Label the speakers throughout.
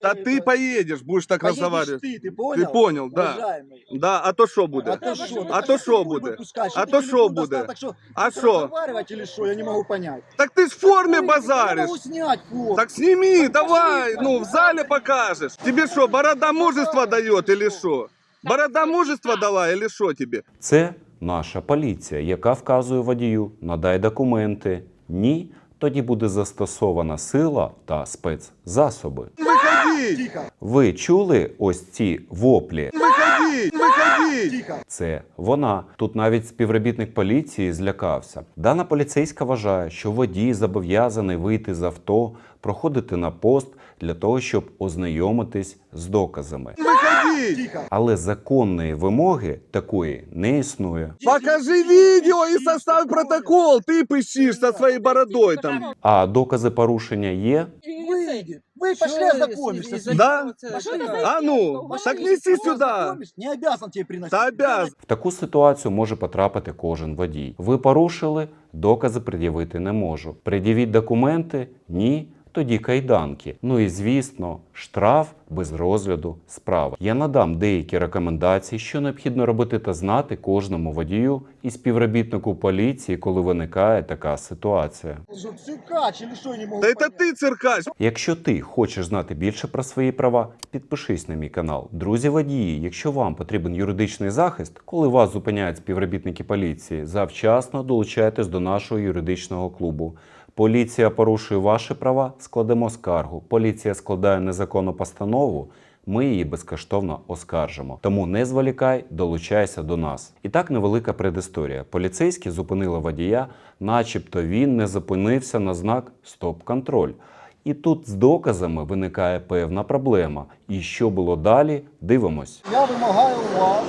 Speaker 1: Да ты поедешь, будешь так
Speaker 2: Поедешь
Speaker 1: разговаривать.
Speaker 2: ты понял?
Speaker 1: Ты понял, да.
Speaker 2: Уважаемый.
Speaker 1: Да, а то що буде?
Speaker 2: А то что?
Speaker 1: А то що буде? А то що буде? А
Speaker 2: А
Speaker 1: що?
Speaker 2: что? Разговаривать или что? Я не могу понять.
Speaker 1: Так ты ж в форме
Speaker 2: Я
Speaker 1: базаришь.
Speaker 2: могу снять форму.
Speaker 1: Так сними,
Speaker 2: Так
Speaker 1: давай,
Speaker 2: пошли,
Speaker 1: ну в зале покажешь. Тебе что, борода мужества дает или что? Борода мужества дала или что тебе?
Speaker 3: Це наша поліція, яка вказує водію «надай документи». Ні, тоді буде застосована сила та спецзасоби.
Speaker 1: Выходи!
Speaker 2: Тихо,
Speaker 3: Ви чули ось ці воплі?
Speaker 1: Выходи! Выходи!
Speaker 2: тихо.
Speaker 3: Це вона. Тут навіть співробітник поліції злякався. Дана поліцейська вважає, що водій зобов'язаний вийти з авто, проходити на пост для того, щоб ознайомитись з доказами.
Speaker 1: Выходи!
Speaker 2: Тихо.
Speaker 3: Але законної вимоги такої не існує.
Speaker 1: Покажи видео и составь протокол. Ты пыщишь со своей бородой там.
Speaker 3: А докази порушення є?
Speaker 2: Выйди. Вы пошли ознакомишься с ним.
Speaker 1: Да?
Speaker 2: Пошли
Speaker 1: А ну, так неси сюда.
Speaker 2: ознакомишься. Не обязан тебе приносить.
Speaker 1: Да обязан.
Speaker 3: В таку ситуацію може потрапити кожен водій. Ви порушили, докази пред'явити не можу. Пред'явіть документи? Ні. Тоді кайданки. Ну і звісно, штраф без розгляду справи. Я надам деякі рекомендації, що необхідно робити та знати кожному водію і співробітнику поліції, коли виникає така ситуація.
Speaker 2: Что, циркач или что, я не могу
Speaker 1: Да это
Speaker 2: понять.
Speaker 1: ты, циркач.
Speaker 3: Якщо ти хочеш знати більше про свої права, підпишись на мій канал. Друзі водії, якщо вам потрібен юридичний захист, коли вас зупиняють співробітники поліції, завчасно долучайтесь до нашого юридичного клубу. Поліція порушує ваші права, складемо скаргу. Поліція складає незаконну постанову, ми її безкоштовно оскаржимо. Тому не зволікай, долучайся до нас. І так невелика предісторія. Поліцейські зупинили водія, начебто він не зупинився на знак «Стоп-контроль». І тут з доказами виникає певна проблема. І що було далі, дивимось.
Speaker 2: Я вимагаю у вас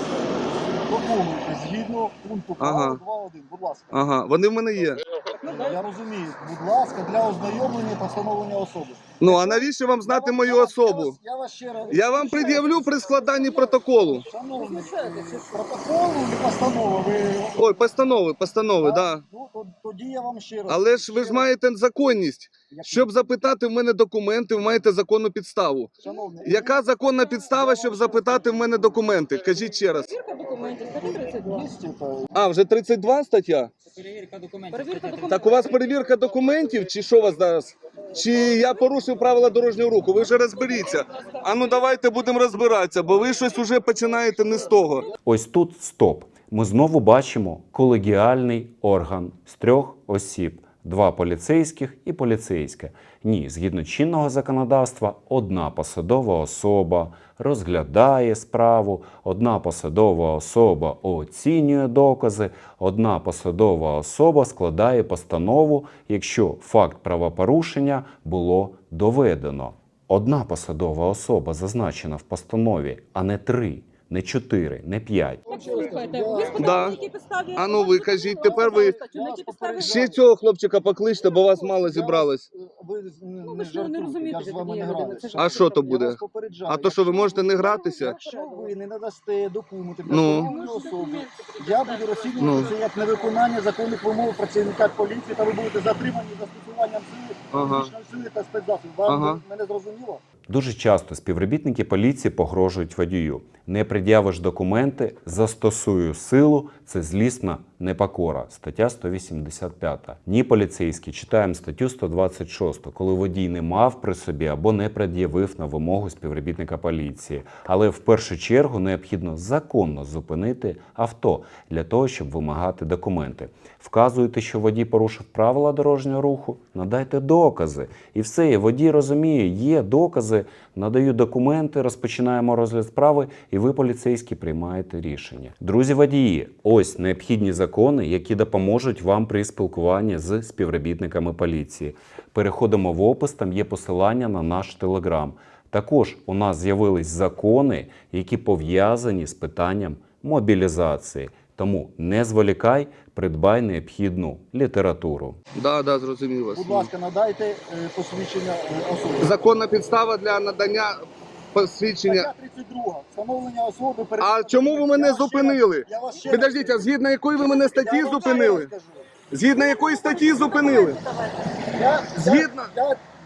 Speaker 2: документи згідно пункту
Speaker 1: Ага.
Speaker 2: права 2.1. Будь ласка.
Speaker 1: Ага, вони в мене є.
Speaker 2: Я розумію. Будь ласка, для ознайомлення та встановлення особи.
Speaker 1: Ну, а навіщо вам знати мою особу?
Speaker 2: Я вас ще раз...
Speaker 1: Я вам пред'явлю при складанні протоколу.
Speaker 2: Шановний, протоколу чи постанови ви...
Speaker 1: Ой, постанови, да.
Speaker 2: Ну, тоді я вам ще раз...
Speaker 1: Але ж ви ж маєте законність. Щоб запитати в мене документи, ви маєте законну підставу.
Speaker 2: Шановний,
Speaker 1: Яка законна підстава, щоб запитати в мене документи? Кажіть ще раз.
Speaker 4: Перевірка документів, стаття 32.
Speaker 1: А, вже 32 стаття?
Speaker 4: Перевірка документів.
Speaker 1: Так у вас перевірка документів, чи що у вас зараз? Чи я порушив правила дорожнього руху? Ви вже розберіться. А ну давайте будемо розбиратися, бо ви щось уже починаєте не з того.
Speaker 3: Ось тут стоп. Ми знову бачимо колегіальний орган з 3 осіб. 2 поліцейських і поліцейське. Ні, згідно чинного законодавства, одна посадова особа розглядає справу, одна посадова особа оцінює докази, одна посадова особа складає постанову, якщо факт правопорушення було доведено. Одна посадова особа зазначена в постанові, а не 3. Не 4, не 5.
Speaker 4: Слухайте, ви спитали,
Speaker 1: Да.
Speaker 4: на якій підставі...
Speaker 1: А ну ви кажіть, тепер ви
Speaker 4: На якій підставі...
Speaker 1: ще цього хлопчика покличте, бо вас мало зібралось.
Speaker 2: Ви
Speaker 4: Ну, ви ж не розумієте,
Speaker 2: я ж з вами
Speaker 4: тоді
Speaker 2: не
Speaker 4: я людина,
Speaker 2: граю.
Speaker 4: це ж-
Speaker 1: А що то
Speaker 2: Я
Speaker 1: буде?
Speaker 2: вас попереджаю.
Speaker 1: А то що, ви можете не гратися?
Speaker 2: Якщо ви не надасте документи для
Speaker 1: Ну.
Speaker 2: встановлення особи, я буду розцінювати
Speaker 1: Ну.
Speaker 2: це як невиконання законних вимог працівника поліції, та ви будете затримані застосуванням сили,
Speaker 1: Ага.
Speaker 2: фізичної сили та спецзасобів. Вам
Speaker 1: Ага.
Speaker 2: мене зрозуміло?
Speaker 3: Дуже часто співробітники поліції погрожують водію. Не пред'явиш документи, застосую силу – це злісна непокора. Стаття 185. Ні, поліцейські, читаємо статтю 126, коли водій не мав при собі або не пред'явив на вимогу співробітника поліції. Але в першу чергу необхідно законно зупинити авто для того, щоб вимагати документи. Вказуєте, що водій порушив правила дорожнього руху, надайте докази. І все, і водій розуміє, є докази, надаю документи, розпочинаємо розгляд справи, і ви, поліцейські, приймаєте рішення. Друзі водії, ось необхідні закони, які допоможуть вам при спілкуванні з співробітниками поліції. Переходимо в опис, там є посилання на наш телеграм. Також у нас з'явились закони, які пов'язані з питанням мобілізації. Тому не зволікай, придбай необхідну літературу.
Speaker 1: Да, да, зрозумів вас.
Speaker 2: Будь ласка, надайте посвідчення особи.
Speaker 1: Законна підстава для надання посвідчення.
Speaker 2: Стаття 32. Встановлення особи.
Speaker 1: А чому ви мене зупинили? Підождіть, а згідно якої ви мене статті зупинили? Згідно якої статті зупинили? Згідно?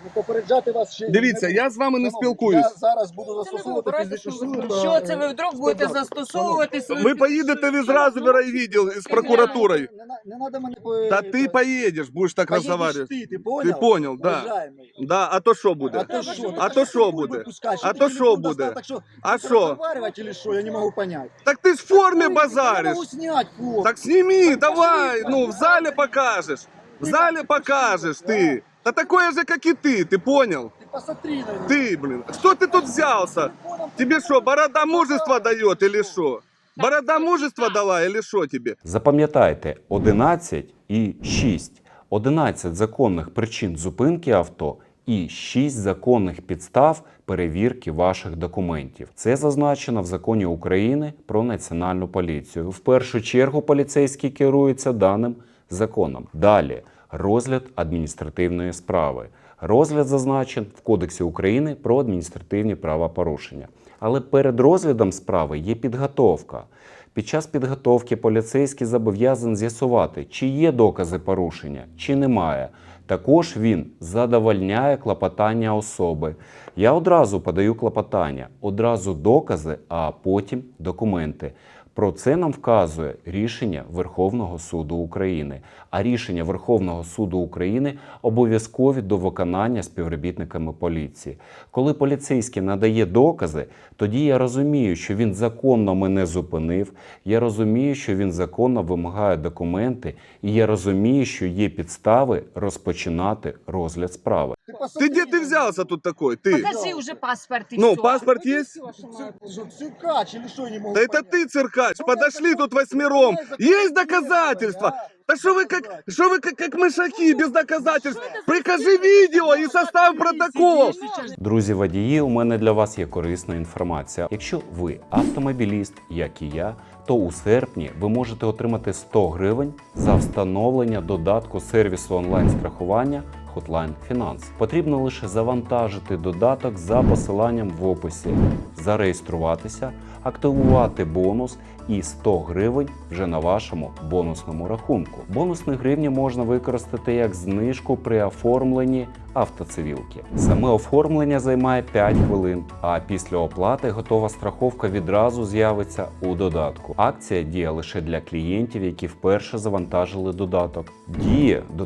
Speaker 2: Попереджати вас ще
Speaker 1: Дивіться,
Speaker 2: не
Speaker 1: я з вами не
Speaker 2: Шановні,
Speaker 1: спілкуюсь.
Speaker 2: Я зараз буду застосовувати
Speaker 4: вибирайте,
Speaker 2: фізичну
Speaker 4: що ви
Speaker 2: силу.
Speaker 4: зробите.
Speaker 5: Що це ви вдруг будете застосовувати свою
Speaker 1: Ви поїдете відразу в райвідділ з прокуратурою.
Speaker 2: Не надо мене
Speaker 1: Та ти поїдеш, будеш так
Speaker 2: Поїдеш
Speaker 1: розмовляти.
Speaker 2: ти понял?
Speaker 1: Ти понял, да.
Speaker 2: Уважаємий.
Speaker 1: Да, а то що буде?
Speaker 2: А то що?
Speaker 1: А то що буде? А то що буде? А що?
Speaker 2: Разговаривать или что? Я не могу понять.
Speaker 1: Так ти ж в формі
Speaker 2: Я
Speaker 1: базариш.
Speaker 2: могу снять форму.
Speaker 1: Так сними, давай, ну в зале покажешь. В зале покажешь ты. Да такое же, как и ты понял?
Speaker 2: Ты посмотри на меня.
Speaker 1: Ты, блин, что ты тут взялся? Тебе что, борода мужества дает или что? Борода мужества дала или что тебе?
Speaker 3: Запам'ятайте 11 і 6. 11 законних причин зупинки авто і 6 законних підстав перевірки ваших документів. Це зазначено в Законі України про Національну поліцію. В першу чергу поліцейський керується даним законом. Далі розгляд адміністративної справи. Розгляд зазначен в Кодексі України про адміністративні правопорушення. Але перед розглядом справи є підготовка. Під час підготовки поліцейський зобов'язаний з'ясувати, чи є докази порушення, чи немає. Також він задовольняє клопотання особи. Я одразу подаю клопотання, одразу докази, а потім документи. Про це нам вказує рішення Верховного суду України. А рішення Верховного суду України обов'язкові до виконання співробітниками поліції. Коли поліцейський надає докази, тоді я розумію, що він законно мене зупинив, я розумію, що він законно вимагає документи, і я розумію, що є підстави розпочинати розгляд справи.
Speaker 1: Ты где ты взялся тут такой? Ты?
Speaker 5: Покажи уже паспорт и
Speaker 1: Ну,
Speaker 5: все.
Speaker 1: паспорт есть?
Speaker 2: Циркач или что, я не могу
Speaker 1: Да это
Speaker 2: понять.
Speaker 1: ты, циркач, подошли тут восьмером. Есть доказательства? Да что вы как мышаки без доказательств? Прикажи видео и составь протокол.
Speaker 3: Друзі водії, у мене для вас є корисна інформація. Якщо ви автомобіліст, як і я, то у серпні ви можете отримати 100 гривень за встановлення додатку сервісу онлайн-страхування Hotline Finance. Потрібно лише завантажити додаток за посиланням в описі, зареєструватися, активувати бонус і 100 гривень вже на вашому бонусному рахунку. Бонусні гривні можна використати як знижку при оформленні автоцивілки. Саме оформлення займає 5 хвилин, а після оплати готова страховка відразу з'явиться у додатку. Акція діє лише для клієнтів, які вперше завантажили додаток. Діє до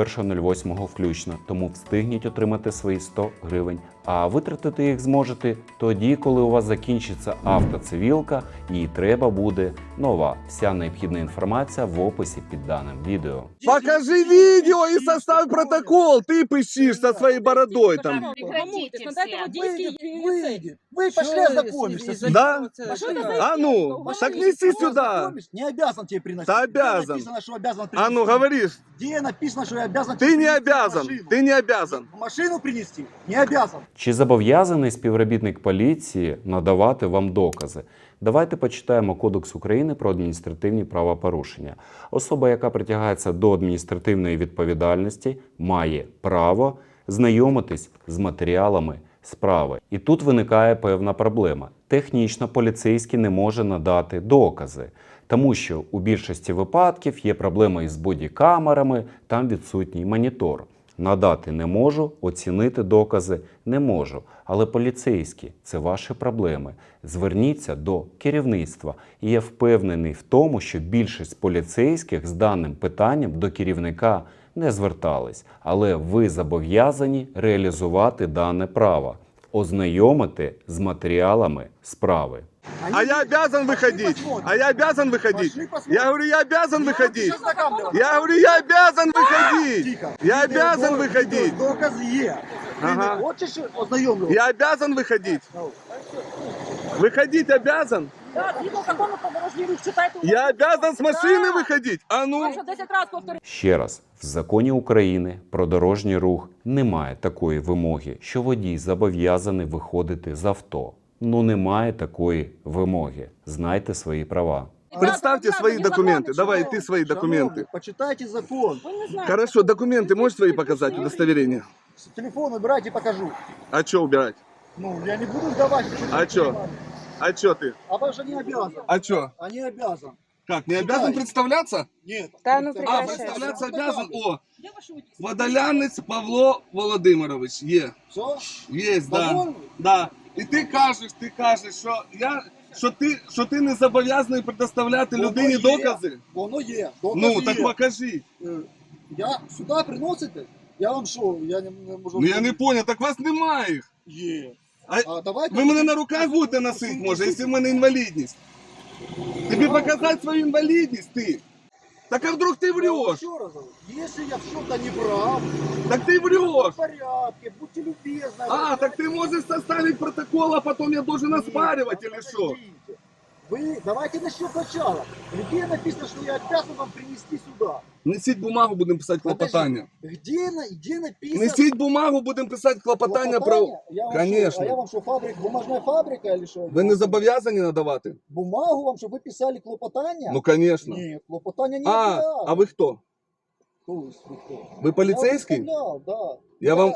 Speaker 3: 31.08 включно, тому встигніть отримати свої 100 гривень. А витратити їх зможете тоді, коли у вас закінчиться автоцивілка і треба буде нова. Вся необхідна інформація в описі під даним відео.
Speaker 1: Покажи видео и составь протокол. Ты пыщишь со своей бородой там.
Speaker 5: Прекратите
Speaker 4: Надайте
Speaker 5: все.
Speaker 4: водійський
Speaker 2: Выйди. Вы пошли ознакомишься. с ним.
Speaker 1: Да?
Speaker 4: А что это за
Speaker 1: А ну, так неси сюда.
Speaker 2: Ознакомишься? Не обязан тебе приносить.
Speaker 1: Да
Speaker 2: Где
Speaker 1: обязан.
Speaker 2: написано, что обязан
Speaker 1: А
Speaker 2: принести?
Speaker 1: ну, говоришь.
Speaker 2: Где написано, что я обязан
Speaker 1: Ты
Speaker 2: тебе
Speaker 1: не
Speaker 2: принести
Speaker 1: обязан.
Speaker 2: машину?
Speaker 1: Ты не обязан.
Speaker 2: Машину принести? Не обязан.
Speaker 3: Чи зобов'язаний співробітник поліції надавати вам докази? Давайте почитаємо Кодекс України про адміністративні правопорушення. Особа, яка притягається до адміністративної відповідальності, має право знайомитись з матеріалами справи. І тут виникає певна проблема. Технічно поліцейський не може надати докази, тому що у більшості випадків є проблеми із бодікамерами, там відсутній монітор. Надати не можу, оцінити докази не можу. Але поліцейські – це ваші проблеми. Зверніться до керівництва. І я впевнений в тому, що більшість поліцейських з даним питанням до керівника не звертались. Але ви зобов'язані реалізувати дане право. Ознайомити з матеріалами справи.
Speaker 1: А я обязан выходить. А я обязан выходить. Я говорю, я обязан выходить. Я говорю, я обязан выходить.
Speaker 2: Тихо.
Speaker 1: Я обязан выходить.
Speaker 2: Доказы є.
Speaker 1: Ага.
Speaker 2: Ти не хочеш ознайомлювати?
Speaker 1: Я обязан выходить. Выходить обязан?
Speaker 4: Да, згідно закону про дорожній рух, читайте.
Speaker 1: Я обязан с машины выходить? А
Speaker 4: Вам
Speaker 1: ну?
Speaker 4: що 10 разів повторюю.
Speaker 3: Ще раз, в Законі України про дорожній рух немає такої вимоги, що водій зобов'язаний виходити з авто. Ну немає такої вимоги. Знайте свої права.
Speaker 1: Представьте свои документы. Давай, ты свои
Speaker 2: Шановні,
Speaker 1: документы.
Speaker 2: почитайте закон.
Speaker 4: Ви не знаєте.
Speaker 1: Хорошо, документы можешь свои показать, удостоверение?
Speaker 2: Телефон убирайте, покажу.
Speaker 1: А что убирать?
Speaker 2: Ну, я не буду сдавать.
Speaker 1: А чё? А что ты?
Speaker 2: А потому что не обязан.
Speaker 1: А что?
Speaker 2: А не обязан.
Speaker 1: Как, не обязан представляться?
Speaker 2: Нет.
Speaker 5: Та ну
Speaker 1: А,
Speaker 5: прекращай.
Speaker 1: представляться обязан? О,
Speaker 4: Я вашу водителя.
Speaker 1: Водолянець Павло Володимирович, є.
Speaker 2: Все?
Speaker 1: Є, да.
Speaker 2: Довольний?
Speaker 1: Да. І ти кажеш, що ти не зобов'язаний предоставляти людині
Speaker 2: є.
Speaker 1: докази.
Speaker 2: Воно є. Докази
Speaker 1: Ну,
Speaker 2: є.
Speaker 1: так покажи.
Speaker 2: Я сюди приносите? Я вам що? Я не можу...
Speaker 1: Ну я не понял, так вас немає їх.
Speaker 2: Є.
Speaker 1: А
Speaker 2: Давайте...
Speaker 1: ви мене на руках будете носити, може, якщо в мене інвалідність. Тобі показати свою інвалідність, ти. Так а вдруг ти врешь?
Speaker 2: Еще раз говорю, если я в чем-то не прав,
Speaker 1: Так ти
Speaker 2: в
Speaker 1: врешь.
Speaker 2: порядке, будьте любезны.
Speaker 1: А, так ты можешь составить протокол, а потом я должен оспаривать или что?
Speaker 2: Вы давайте начнем сначала. Где написано, что я обязан вам принести сюда?
Speaker 1: Несіть бумагу, будемо писати клопотання.
Speaker 2: Где написано?
Speaker 1: Несіть бумагу, будемо писати клопотання про...
Speaker 2: Я вам
Speaker 1: Конечно.
Speaker 2: Что, а я вам что, фабрика, бумажная фабрика или что?
Speaker 1: Ви не зобов'язані надавати?
Speaker 2: Бумагу вам, чтобы вы писали клопотание?
Speaker 1: Ну, конечно.
Speaker 2: Нет, клопотание не
Speaker 1: А ви хто?
Speaker 2: Кто вы, кто?
Speaker 1: Ви поліцейський?
Speaker 2: Я вам представлял, да.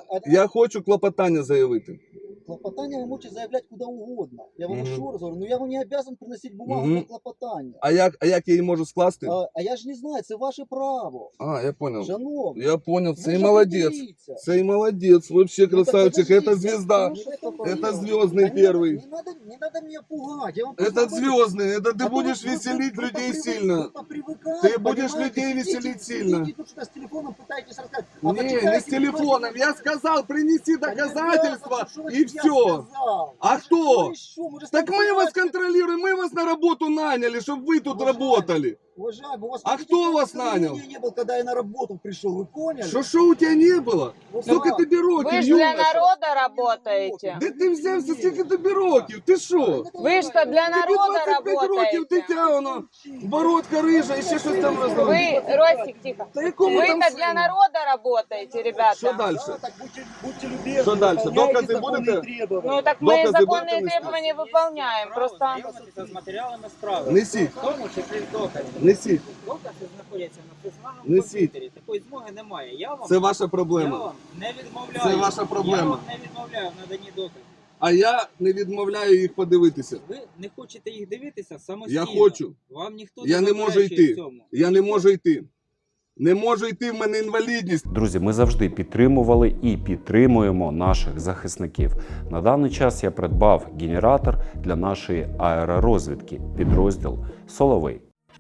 Speaker 1: Я хочу клопотання заявити.
Speaker 2: Клопотание вы можете заявлять куда угодно. Я вам еще раз говорю, но я вам не обязан приносить бумагу
Speaker 1: Мгм.
Speaker 2: на клопотание.
Speaker 1: А як я її можу скласти?
Speaker 2: А я ж не знаю, це ваше право.
Speaker 1: Я понял.
Speaker 2: Шановний.
Speaker 1: Я понял,
Speaker 2: ви
Speaker 1: цей
Speaker 2: ж
Speaker 1: молодец.
Speaker 2: определіться.
Speaker 1: Цей молодец, вообще
Speaker 2: Ну, так
Speaker 1: красавчик.
Speaker 2: подождите,
Speaker 1: Это звезда.
Speaker 2: ну, что это
Speaker 1: Это
Speaker 2: такое?
Speaker 1: звездный
Speaker 2: Да
Speaker 1: первый.
Speaker 2: Не надо меня пугать. Я вам
Speaker 1: Это
Speaker 2: просто говорю,
Speaker 1: звездный. Это ты
Speaker 2: а то
Speaker 1: будешь
Speaker 2: вы
Speaker 1: веселить
Speaker 2: просто
Speaker 1: людей
Speaker 2: привык-
Speaker 1: сильно.
Speaker 2: просто привыкать,
Speaker 1: Ты будешь
Speaker 2: понимаете,
Speaker 1: людей
Speaker 2: сидите-
Speaker 1: веселить сильно.
Speaker 2: Сидите тут что-то с телефоном пытаетесь рассказать. А
Speaker 1: Не,
Speaker 2: почитайте,
Speaker 1: не с телефоном.
Speaker 2: что
Speaker 1: Я сказал, принеси
Speaker 2: Да не
Speaker 1: доказательства
Speaker 2: надо, что
Speaker 1: и
Speaker 2: я
Speaker 1: все.
Speaker 2: сказал.
Speaker 1: А
Speaker 2: Вы же
Speaker 1: кто?
Speaker 2: что еще? Мы же с
Speaker 1: Так
Speaker 2: тобой
Speaker 1: мы вас
Speaker 2: понимаете,
Speaker 1: контролируем, мы вас на работу наняли, чтобы вы тут
Speaker 2: Уважаемый.
Speaker 1: работали.
Speaker 2: Уважаемый, у вас
Speaker 1: А
Speaker 2: видите,
Speaker 1: кто вас
Speaker 2: настроения
Speaker 1: нанял?
Speaker 2: не было, когда я на работу пришел, вы поняли?
Speaker 1: Что у тебя не было?
Speaker 2: Вот
Speaker 1: Сколько
Speaker 2: да.
Speaker 1: тебе років,
Speaker 5: Ви ж для
Speaker 1: юноша?
Speaker 5: народу работаете.
Speaker 1: Де ти взявся, скільки тобі років? Ти що?
Speaker 5: Ви ж то для
Speaker 1: Тобі
Speaker 5: народу
Speaker 1: 25 років,
Speaker 5: работаете.
Speaker 1: дитя воно, бородка рижа і ще щось там розробляє.
Speaker 5: Вы, Ростик, тихо.
Speaker 1: Та якому
Speaker 5: Вы
Speaker 1: там
Speaker 5: то
Speaker 1: сину?
Speaker 5: для народа работаете, ребята.
Speaker 1: Що далі?
Speaker 2: Да, так будьте любезны.
Speaker 1: Что дальше?
Speaker 2: выполняйте
Speaker 1: Доказы
Speaker 2: законные
Speaker 1: будете?
Speaker 2: требования.
Speaker 5: Ну так мы
Speaker 1: Доказы
Speaker 5: законные
Speaker 1: будете нести?
Speaker 5: требования выполняем. Просто
Speaker 6: Знайомитися з матеріалами справи.
Speaker 1: Несіть.
Speaker 6: В тому числі докази.
Speaker 1: Несіть.
Speaker 6: Докази знаходяться на фізмагному
Speaker 1: Несіть.
Speaker 6: комп'ютері. Такої змоги немає. Я вам,
Speaker 1: Це ваша
Speaker 6: я
Speaker 1: проблема.
Speaker 6: вам не відмовляю.
Speaker 1: Це ваша проблема.
Speaker 6: Я вам не відмовляю в наданні доказів.
Speaker 1: А я не відмовляю їх подивитися.
Speaker 6: Ви не хочете їх дивитися самостійно.
Speaker 1: Я хочу.
Speaker 6: Вам ніхто
Speaker 1: Я не можу
Speaker 6: заперечує
Speaker 1: йти.
Speaker 6: в цьому.
Speaker 1: Я не можу йти. Не можу йти, в мене інвалідність.
Speaker 3: Друзі, ми завжди підтримували і підтримуємо наших захисників. На даний час я придбав генератор для нашої аеророзвідки, підрозділ «Соловей».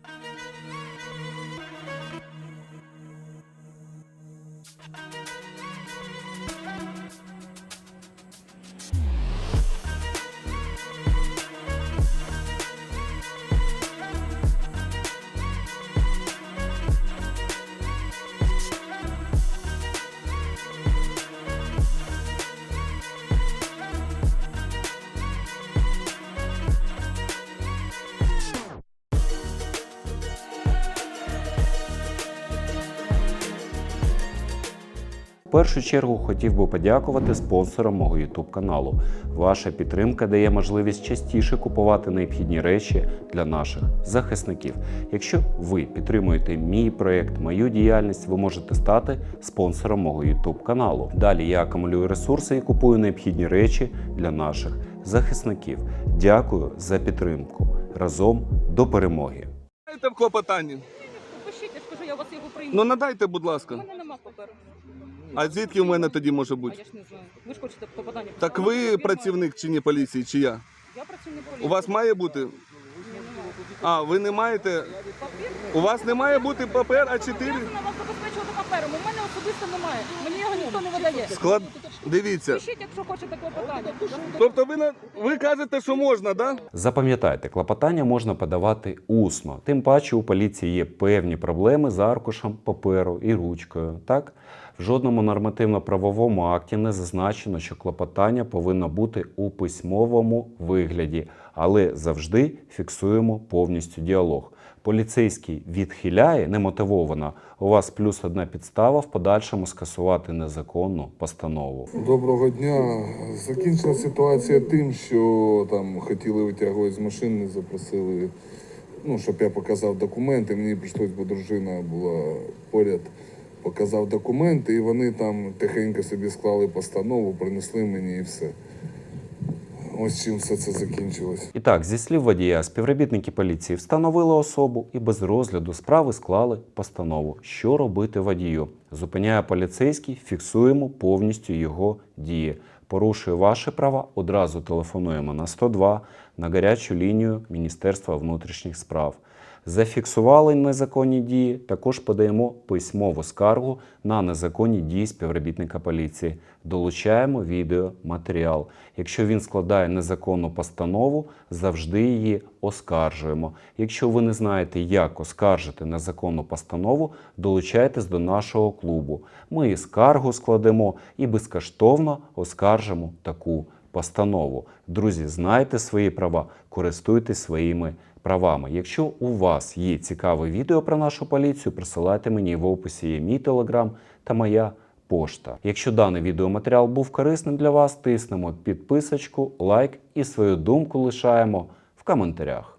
Speaker 3: В першу чергу хотів би подякувати спонсорам мого YouTube каналу. Ваша підтримка дає можливість частіше купувати необхідні речі для наших захисників. Якщо ви підтримуєте мій проєкт, мою діяльність, ви можете стати спонсором мого YouTube каналу. Далі я акумулюю ресурси і купую необхідні речі для наших захисників. Дякую за підтримку. Разом до перемоги!
Speaker 1: Дайте в клопотанні.
Speaker 4: Пишіть, я скажу, я вас його прийму.
Speaker 1: Ну надайте, будь
Speaker 4: У
Speaker 1: ласка.
Speaker 4: мене нема паперу.
Speaker 1: А звідки в мене тоді може
Speaker 4: А
Speaker 1: бути?
Speaker 4: я ж не знаю. Ви ж хочете попадання.
Speaker 1: Так ви працівник чи ні поліції, чи я?
Speaker 4: Я працівник поліції.
Speaker 1: У вас має бути?
Speaker 4: Ні, немає.
Speaker 1: А, ви не маєте?
Speaker 4: Папір?
Speaker 1: У вас не має бути папер А4?
Speaker 4: Я вас забезпечувати папером. У мене особисто немає. Мені його ніхто не видає.
Speaker 1: Склад... Дивіться.
Speaker 4: Пишіть, якщо хочете клопотання.
Speaker 1: Тобто ви кажете, що можна, да?
Speaker 3: Запам'ятайте, клопотання можна подавати усно. Тим паче у поліції є певні проблеми з аркушем паперу і ручкою. Так? В жодному нормативно-правовому акті не зазначено, що клопотання повинно бути у письмовому вигляді, але завжди фіксуємо повністю діалог. Поліцейський відхиляє немотивовано, у вас плюс одна підстава в подальшому скасувати незаконну постанову.
Speaker 7: Доброго дня. Закінчила ситуація тим, що там хотіли витягувати з машини, запросили, щоб я показав документи. Мені прийшлось, бо дружина була поряд, показав документи, і вони там тихенько собі склали постанову, принесли мені і все. ось чим все це закінчилось.
Speaker 3: І так, зі слів водія, співробітники поліції встановили особу і без розгляду справи склали постанову. Що робити водію? Зупиняє поліцейський, фіксуємо повністю його дії. Порушує ваші права, одразу телефонуємо на 102, на гарячу лінію Міністерства внутрішніх справ. Зафіксували незаконні дії, також подаємо письмову скаргу на незаконні дії співробітника поліції. Долучаємо відеоматеріал. Якщо він складає незаконну постанову, завжди її оскаржуємо. Якщо ви не знаєте, як оскаржити незаконну постанову, долучайтесь до нашого клубу. Ми і скаргу складемо, і безкоштовно оскаржимо таку постанову. Друзі, знайте свої права, користуйтесь своїми правами. Якщо у вас є цікаве відео про нашу поліцію, присилайте мені, в описі є мій телеграм та моя пошта. Якщо даний відеоматеріал був корисним для вас, тиснемо підписочку, лайк і свою думку лишаємо в коментарях.